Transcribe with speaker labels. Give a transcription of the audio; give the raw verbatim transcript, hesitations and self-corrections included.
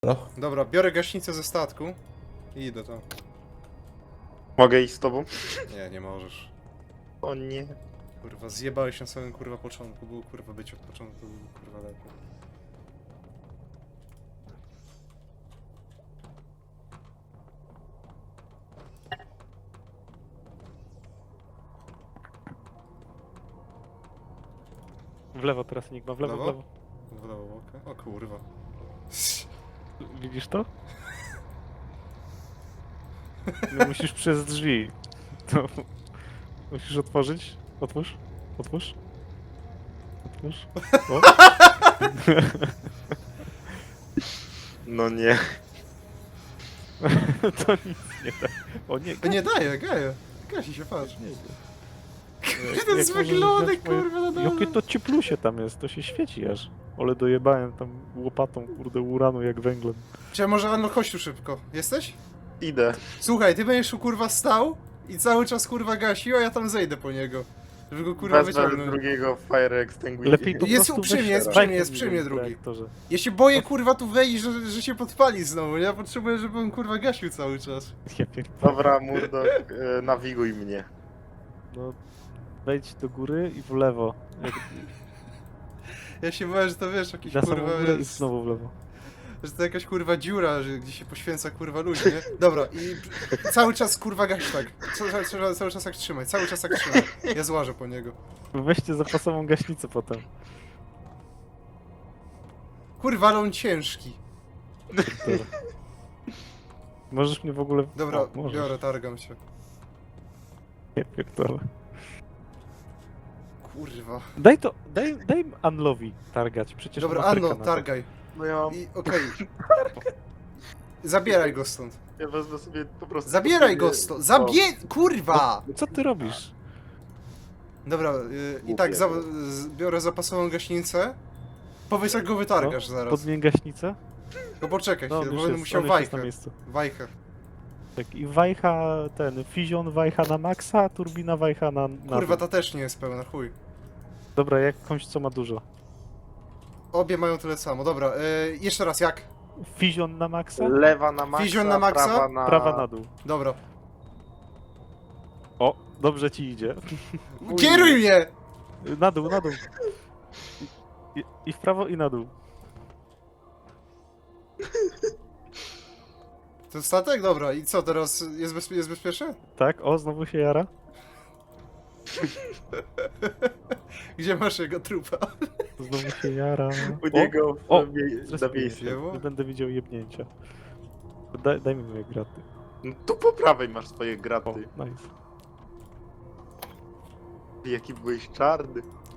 Speaker 1: No.
Speaker 2: Dobra, biorę gaśnicę ze statku i idę tam.
Speaker 3: Mogę iść z tobą?
Speaker 2: Nie, nie możesz.
Speaker 3: O nie.
Speaker 2: Kurwa, zjebałeś na samym kurwa początku. Było kurwa być od początku, było kurwa lepiej.
Speaker 4: W lewo teraz Enigma, w lewo, w
Speaker 2: Lewo?
Speaker 4: lewo.
Speaker 2: W lewo, okej. O kurwa.
Speaker 4: Widzisz to? No musisz przez drzwi. To musisz otworzyć. Otwórz. Otwórz. Otwórz. O.
Speaker 3: No nie.
Speaker 4: To nic nie da. O nie,
Speaker 2: A nie daje, gaje. Gasi się, patrz.
Speaker 4: nie
Speaker 2: Jak ten jest wyglądek, kurwa, na dole.
Speaker 4: Jakie to cieplusie tam jest, to się świeci aż. Ale dojebałem tam łopatą, kurde, uranu jak węglem.
Speaker 2: Czy może Anno, chodź tu szybko. Jesteś?
Speaker 3: Idę.
Speaker 2: Słuchaj, ty będziesz tu kurwa stał i cały czas kurwa gasił, a ja tam zejdę po niego. Żeby go kurwa
Speaker 3: Wezmę
Speaker 2: wyciągnąć.
Speaker 3: drugiego Fire Extinguisher.
Speaker 4: Lepiej po
Speaker 2: Jest
Speaker 4: prostu
Speaker 2: przy mnie,
Speaker 4: weź
Speaker 2: jest
Speaker 4: teraz.
Speaker 2: przy mnie,
Speaker 4: Daj
Speaker 2: jest
Speaker 4: ten
Speaker 2: przy mnie
Speaker 4: jeden
Speaker 2: drugi.
Speaker 4: reaktorze.
Speaker 2: Ja się boję kurwa tu wejść, że, że się podpali znowu. Ja potrzebuję, żeby on kurwa gasił cały czas.
Speaker 4: Ja pierdolę.
Speaker 3: Dobra, Murdoch, e, nawiguj mnie.
Speaker 4: No, wejdź do góry i w lewo. Jak
Speaker 2: Ja się boję, że to wiesz, jakiś
Speaker 4: na samą
Speaker 2: kurwa
Speaker 4: górę i
Speaker 2: jest,
Speaker 4: znowu w lewo.
Speaker 2: że to jakaś kurwa dziura, że gdzie się poświęca kurwa ludzi, nie? Dobra, i cały czas kurwa gaś tak. Cały, cały, cały czas tak trzymaj, cały czas tak trzymaj. Ja złażę po niego.
Speaker 4: Weźcie zapasową gaśnicę potem.
Speaker 2: Kurwa, ale on ciężki.
Speaker 4: Dobra. Możesz mnie w ogóle...
Speaker 2: Dobra,
Speaker 4: O, możesz.
Speaker 2: biorę, targam się.
Speaker 4: Nie pierdolę.
Speaker 2: Kurwa.
Speaker 4: Daj to, daj, daj Anlowi targać, przecież
Speaker 2: Dobra,
Speaker 4: ma tryka
Speaker 2: Anno,
Speaker 4: na to.
Speaker 2: targaj.
Speaker 3: No ja mam...
Speaker 2: I okej. Zabieraj go stąd.
Speaker 3: Ja wezmę sobie po prostu...
Speaker 2: Zabieraj go stąd. Zabie... Kurwa!
Speaker 4: Co ty robisz?
Speaker 2: Dobra, y, i tak za, z, biorę zapasową gaśnicę. Powiedz jak go wytargasz zaraz.
Speaker 4: Podmień gaśnicę?
Speaker 2: No poczekaj
Speaker 4: No,
Speaker 2: chwilę,
Speaker 4: już
Speaker 2: bo będę
Speaker 4: jest,
Speaker 2: musiał
Speaker 4: on już jest na
Speaker 2: wajchę.
Speaker 4: miejscu.
Speaker 2: Wajchę.
Speaker 4: Tak, i wajcha, ten, Fizion wajcha na maksa, turbina wajcha na... na
Speaker 2: Kurwa,
Speaker 4: dół.
Speaker 2: ta też nie jest pełna, chuj.
Speaker 4: Dobra, jakąś co ma dużo.
Speaker 2: Obie mają tyle samo. Dobra, y, jeszcze raz, jak?
Speaker 4: Fizion na maksa,
Speaker 3: Lewa na maksa,
Speaker 2: Fizion na maksa?
Speaker 3: prawa na...
Speaker 4: prawa na dół.
Speaker 2: Dobra.
Speaker 4: O, dobrze ci idzie.
Speaker 2: Kieruj mnie!
Speaker 4: Na dół, na dół. I, I w prawo i na dół.
Speaker 2: To statek? Dobra, i co teraz? Jest, bezpie jest bezpieczny?
Speaker 4: Tak, o, znowu się jara.
Speaker 2: Gdzie masz jego trupa?
Speaker 4: Znowu się jara.
Speaker 3: U niego
Speaker 4: o,
Speaker 3: w mie- na
Speaker 4: zrespiję
Speaker 3: miejscu.
Speaker 4: się, nie będę widział jebnięcia. Daj, daj mi moje graty.
Speaker 3: No tu po prawej masz swoje
Speaker 4: O,
Speaker 3: graty.
Speaker 4: nice.
Speaker 3: Jaki byłeś czarny.